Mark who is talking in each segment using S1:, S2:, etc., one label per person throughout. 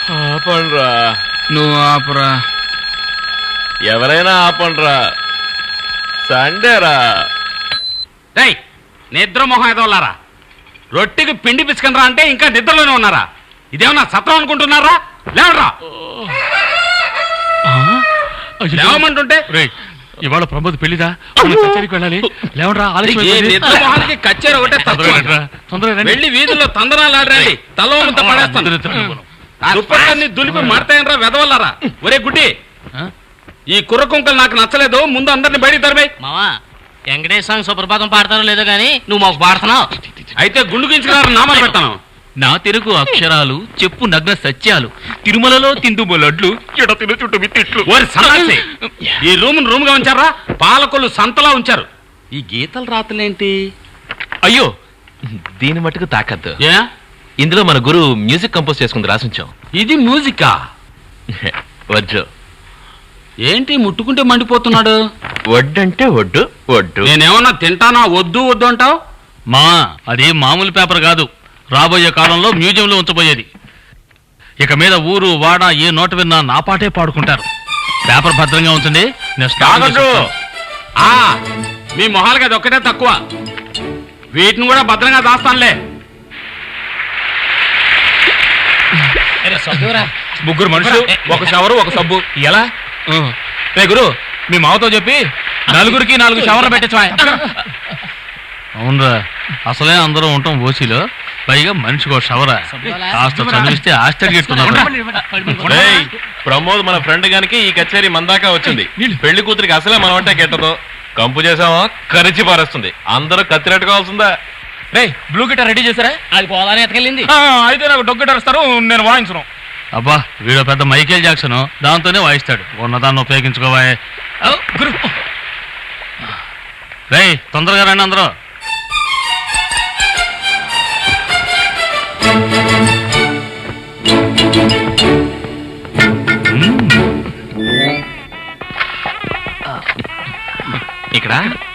S1: ఆపండ్రా.
S2: నువ్వు ఆపరా.
S1: ఎవరైనా ఆపండ్రా, సండేరా.
S2: రేయ్, నిద్ర మొహం ఎదవలారా, రొట్టెకి పిండి పిసుకనరా అంటే ఇంకా నిద్రలోనే ఉన్నారా? ఇదేమన్నా సత్రం అనుకుంటున్నారా? లేవరా, లేవమంటుంటే.
S3: ఇవాళ ప్రమోద్ పెళ్లిదా, కచేరీకి వెళ్ళాలి. లేవరా,
S2: మొహానికి కచ్చేరి ఒకటే వెళ్ళి వీధుల్లో తందనాలు ఆడరండి, తలవంత పడేస్తాను. దుప్పట్లన్నీ దులిపి మాడతాయనరా వెదవల్లారా. ఒరే గుడ్డి, ఈ కుర్ర కుంకలు నాకు నచ్చలేదు, ముందు అందరిని బయటికి తరమే.
S4: మావా, వెంకటేశ్వర స్వామి సుప్రభాతం పాడతారో లేదో గానీ నువ్వు మాకు పాడుతున్నావు.
S2: అయితే గుండు గించుకున్నారు నామాలు పెడతాను.
S3: నా తెలుగు అక్షరాలు చెప్పు నగ్న సత్యాలు, తిరుమలలో తిందుము లడ్లు, ఎడతిన చుట్టూ తిట్లు.
S2: ఈ రూమ్ గా ఉంచారా? పాలకొల్లు సంతలా ఉంచారు. ఈ గీతల రాతలేంటి?
S1: అయ్యో, దీని మట్టుకు తాకద్దు.
S2: ఏ,
S1: ఇందులో మన గురు మ్యూజిక్ కంపోజ్ చేసుకుంది, రాసుంచాం.
S2: ఇది మ్యూజికా?
S1: వడ్డు.
S2: ఏంటి ముట్టుకుంటే మండిపోతున్నాడు?
S1: వడ్డంటే ఒడ్డు, ఒడ్డు.
S2: నేనేమన్నా తింటానా వద్దు వద్దు అంటావు?
S3: మా అది మామూలు పేపర్ కాదు, రాబోయే కాలంలో మ్యూజియంలో ఉంచబోయేది. ఇక మీద ఊరు వాడ ఏ నోట విన్నా నా పాటే పాడుకుంటారు. పేపర్ భద్రంగా ఉంటుంది.
S2: మీ మొహాలకి అది ఒక్కటే తక్కువ, వీటిని కూడా భద్రంగా దాస్తానులే.
S3: ముగ్గురు మనుషులు, ఒక షవరు, ఒక సబ్బు. ఎలా రే గురు, మీ మావతో చెప్పి నలుగురికి 4 షవర్లు పెట్టచ్చు. అవునరా, అసలే అందరూ ఉంటాం ఓసీలో, పైగా మనిషికో షవరా. కాస్త చదివిస్తే ఆశ్చర్యట్టున్నారు.
S1: ప్రమోద్ మన ఫ్రెండ్ గానికి ఈ కచేరీ మందాకా వచ్చింది. పెళ్లి కూతురికి అసలే మనం అంటే కెట్టదు. కంపు చేసామా కరిచి పారేస్తుంది. అందరూ కత్తిరెట్టుకోవాల్సిందా?
S3: రే, బ్లూ గిటార్ రెడీ చేశారా?
S4: అది పోదానే ఎతకెళ్ళింది.
S3: అయితే నాకు డొగ్ గిటార్ ఇస్తారు, నేను వాయించను. అబ్బా, వీడు పెద్ద మైకేల్ జాక్సన్, దాంతోనే వాయిస్తాడు. ఉన్నదాన్ని ఉపయోగించుకోవా. రే, తొందరగా రండి అందరూ.
S1: ఇక్కడ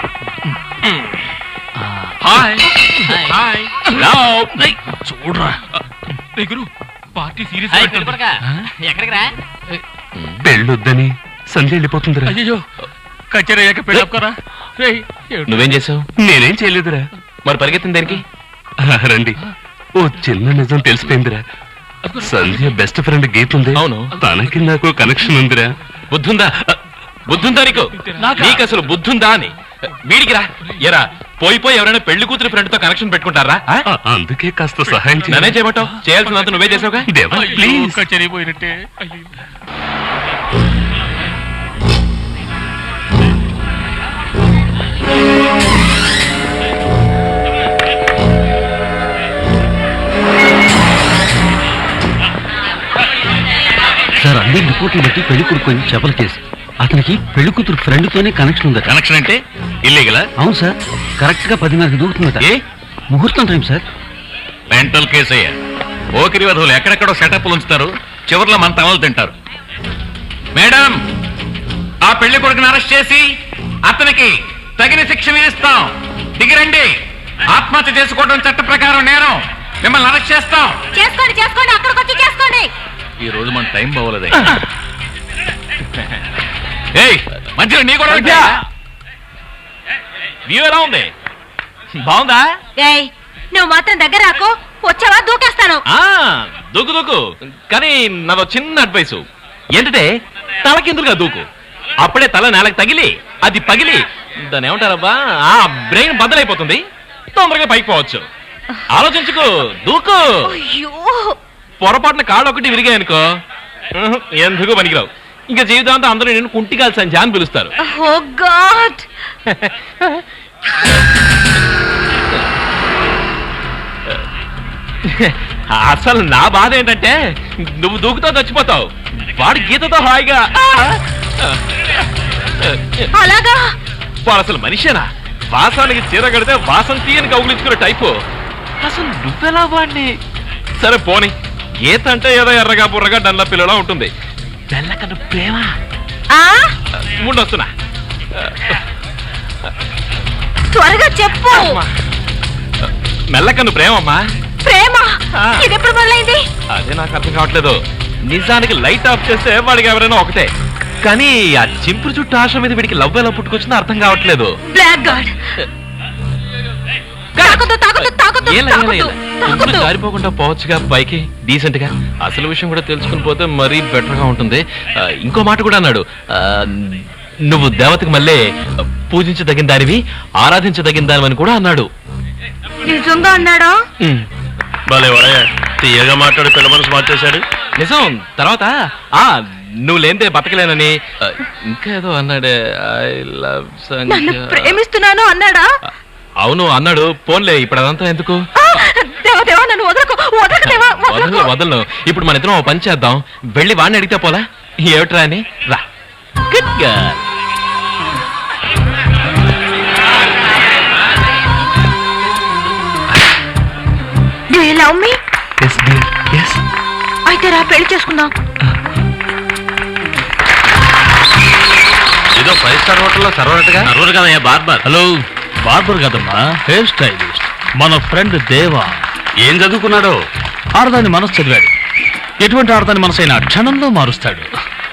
S3: చూడరా గురు, పార్టీ సీరియస్.
S4: ఎక్కడికి రా?
S3: పెళ్ళొద్దని సంధ్య వెళ్ళిపోతుందిరా. అయ్యో, కచేరీ అయ్యాక పెళ్ళి ఒక్కరా.
S1: నువ్వేం చేసావు?
S3: నేనేం చేయలేదురా.
S1: మరి పరిగెత్తింది దేనికి?
S3: రండి, ఓ చిన్న నిజం తెలిసిపోయిందిరా. సంధ్య బెస్ట్ ఫ్రెండ్ గీత ఉంది.
S1: అవును,
S3: తనకి నాకు కనెక్షన్ ఉందిరా.
S1: బుద్ధుందా? బుద్ధుందా నీకు? నీకు అసలు బుద్ధుందా అని. వీడికి రా. ఎరా, పోయి ఎవరైనా పెళ్లి కూతురు ఫ్రెండ్ తో కనెక్షన్ పెట్టుకుంటారా?
S3: అందుకే కాస్త సహాయం
S1: నేనే చేయమంటావు? చేయాల్సినంత నువ్వే చేసావుగా.
S3: ప్లీజ్, కచేరీ పోయినట్టే.
S5: సార్, అందరి రిపోర్ట్లు బట్టి పెళ్లి కొడుకు చేపల కేసు. అతనికి పెళ్లి కూతురు ఫ్రెండ్ తోనే కనెక్షన్ ఉందట.
S3: కనెక్షన్ అంటే ఇల్లీగలా?
S5: అవును సార్, కరెక్ట్ గా 10:30కి దూకుతుందట. ముహూర్తం టైం సార్.
S3: మెంటల్ కేసు అయ్యా. ఓకిరి వధువులు ఎక్కడెక్కడో సెటప్లు ఉంచుతారు, చివరిలో మన తమలు తింటారు. మేడం, ఆ పెళ్లి కొడుకుని అరెస్ట్ చేసి అతనికి తగిన శిక్ష విధిస్తాం. దిగిరండి. ఆత్మహత్య చేసుకోవడం చట్ట ప్రకారం నేరం. మిమ్మల్ని అరెస్ట్ చేస్తాం.
S6: చేసుకోండి చేసుకోండి, అక్కడికి వచ్చి చేసుకోండి.
S3: ఈ రోజు మన టైం బాగోలేదు. ఏయ్, మంచిగా నీ కూడా వ్యూ ఎలా ఉంది? బాగుందా?
S6: ఏయ్, నువ్వు మాత్రం దగ్గర రాకు, వచ్చావా దూకేస్తాను.
S1: దూకు దూకు, కానీ నాదో చిన్న అడ్వైసు ఏంటంటే తలకిందులుగా దూకు. అప్పుడే తల నేలకు తగిలి అది పగిలి దాన్ని ఏమంటారబ్బా, ఆ బ్రెయిన్ బద్దలైపోతుంది. తొందరగా పైకి పోవచ్చు. ఆలోచించుకో, దూకు. పొరపాటున కాళ్ళు ఒకటి విరిగాయనుకో ఎందుకు పనికిరావు. ఇంకా జీవితాంతం అందరూ నేను కుంటిగాలి సంధ్య అని పిలుస్తారు.
S6: Oh god.
S1: అసలు నా బాధ ఏంటంటే నువ్వు దూకుతో చచ్చిపోతావు, వాడు గీతతో హాయిగా.
S6: అలాగా?
S1: వాడు అసలు మనిషేనా? వాసానికి చీర కడితే వాసం తీయని కౌగులించుకునే టైపు. అసలు నువ్వెలా వాడిని? సరే పోనీ, గీత అంటే ఏదో ఎర్రగా బుర్రగా డల్ల పిల్లలా ఉంటుంది. తెల్లకన్నా ప్రేమ ఉండొస్తున్నా.
S6: త్వరగా చెప్పు.
S1: మెల్లకన్ను ప్రేమమ్మా.
S6: ప్రేమ? ఇది ఎప్పుడు మొదలైంది?
S1: అదే నాకు అర్థం కావట్లేదు. నిజానికి లైట్ ఆఫ్ చేస్తే వాడికి ఎవరైనా ఒకటే, కానీ ఆ చింపురు చుట్టూ ఆశ మీద వీడికి లవ్ ఎలా పుట్టుకొచ్చిందో అర్థం కావట్లేదు.
S6: బ్లాక్ గార్డ్ తాకొద్దు, తాకొద్దు, తాకొద్దు,
S1: ఏలా, ఏలా, ఏలా?
S6: తాకొద్దు.
S1: తుమ్ములు జారిపోకుండా పోవచ్చుగా పైకి డీసెంట్ గా. అసలు విషయం కూడా తెలుసుకుని పోతే మరీ బెటర్ గా ఉంటుంది. ఇంకో మాట కూడా అన్నాడు, నువ్వు దేవతకు మళ్ళీ పూజించదగిన దానివి, ఆరాధించదగిన దానివని కూడా అన్నాడు.
S6: నిజంగా అన్నాడా?
S3: తీయగా మాట్లాడి పిల్ల మనసు మార్చేశాడు.
S1: నిజం. తర్వాత నువ్వు లేనిదే బతకలేనని ఇంకా ఏదో అన్నాడే. ఐ లవ్
S6: నన్ను ప్రేమిస్తున్నాను అన్నాడా?
S1: అవును అన్నాడు. పోన్లే, ఇప్పుడు అదంతా ఎందుకు?
S6: దేవా, దేవా, నన్ను వదలకు, వదలకు దేవా, వదలకు.
S1: వదలను. ఇప్పుడు మన ఇద్దరం ఓ పని చేద్దాం. వెళ్ళి వాడిని అడిగితే పోలా ఏమిట్రా అని. రా. Good girl.
S6: Do you love me? అయితే రా, పెళ్లి చేసుకుందాం.
S3: ఏదో 5 స్టార్ హోటల్లో సర్వనట్టుగా.
S2: అరవరు కదయ్యా బార్బర్.
S5: హలో, బార్బర్ కదమ్మా, హెయిర్ స్టైలిస్ట్. మన ఫ్రెండ్ దేవా.
S3: ఏం చదువుకున్నాడో?
S5: ఆడదాని మనసు చదివాడు. ఎటువంటి ఆడదాని మనసైనా క్షణంలో మారుస్తాడు.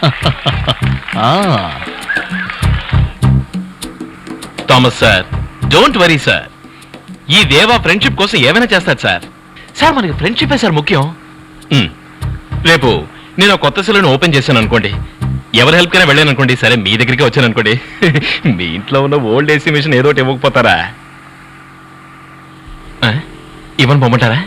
S1: Thomas sir, don't worry sir. ఈ దేవా ఫ్రెండ్షిప్ కోసం ఏమైనా చేస్తాడు సార్. సార్ మనకి ఫ్రెండ్షిపే సార్ ముఖ్యం. రేపు నేను ఒక కొత్త సెలూన్ ఓపెన్ చేశాను అనుకోండి, ఎవరి హెల్ప్ కైనా వెళ్ళాను అనుకోండి, సరే మీ దగ్గరికి వచ్చాను అనుకోండి, మీ ఇంట్లో ఉన్న ఓల్డ్ ఏసీ మిషన్ ఏదో ఒకటి ఇవ్వకపోతారా? ఇవ్వని పొమ్మంటారా?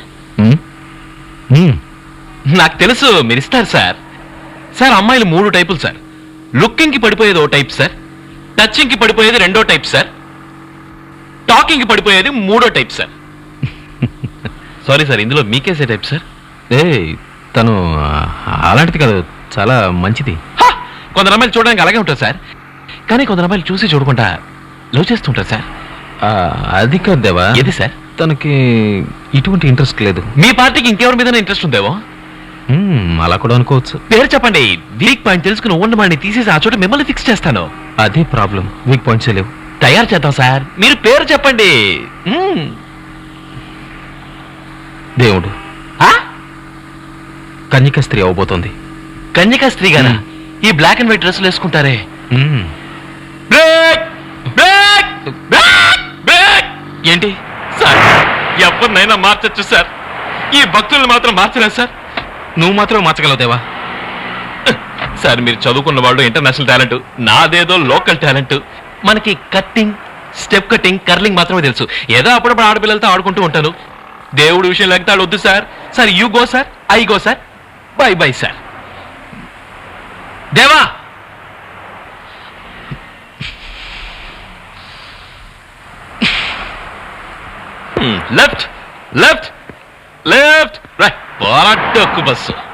S1: నాకు తెలుసు మీరు ఇస్తారు సార్. సార్ అమ్మాయిలు 3 టైపులు సార్. లుకింగ్ కి పడిపోయేది ఓ టైప్ సార్, టచింగ్ కి పడిపోయేది 2వ టైప్ సార్, టాకింగ్ కి పడిపోయేది 3వ టైప్ సార్. సారీ సార్, ఇందులో మీకేసే టైప్ సార్?
S5: తను అలాంటిది కాదు, చాలా మంచిది.
S1: కొందరు అమ్మాయిలు చూడడానికి అలాగే ఉంటారు సార్, కానీ కొందరు అమ్మాయిలు చూసి చూడకుండా లవ్ చేస్తుంటారు సార్.
S5: అది కాదు దేవా.
S1: ఏది సార్?
S5: తనకి ఇటువంటి ఇంట్రెస్ట్ లేదు.
S1: మీ పార్టీకి ఇంకెవరి మీద ఇంట్రెస్ట్ ఉందేమో?
S5: అలా కూడా అనుకోవచ్చు.
S1: పేరు చెప్పండి, వీక్ పాయింట్ తెలుసుకుని ఉన్నవాడిని తీసేసి ఆ చోట మిమ్మల్ని ఫిక్స్ చేస్తాను.
S5: అదే ప్రాబ్లం, వీక్ పాయింట్స్ లేవు.
S1: తయారు చేద్దాం సార్, మీరు పేరు చెప్పండి.
S5: దేవుడు కన్యక స్త్రీ అవబోతోంది.
S1: కన్యకా స్త్రీ గానా? ఈ బ్లాక్ అండ్ వైట్ డ్రెస్సులు వేసుకుంటారే. ఏంటి సార్, ఎవరినైనా మార్చచ్చు సార్, ఈ భక్తుల్ని మాత్రం మార్చలేదు సార్.
S5: నువ్వు మాత్రం మార్చగలవు దేవా.
S1: సార్ మీరు చదువుకున్న వాళ్ళు ఇంటర్నేషనల్ టాలెంట్, నాదేదో లోకల్ టాలెంట్. మనకి కట్టింగ్, స్టెప్ కట్టింగ్, కర్లింగ్ మాత్రమే తెలుసు. ఏదో అప్పుడప్పుడు ఆడపిల్లలతో ఆడుకుంటూ ఉంటాను. దేవుడు విషయం లేకపోతే వద్దు sir. Sir you go sir, I go sir, bye bye sir. Deva, left left left right. పోరాటకు బస్సు.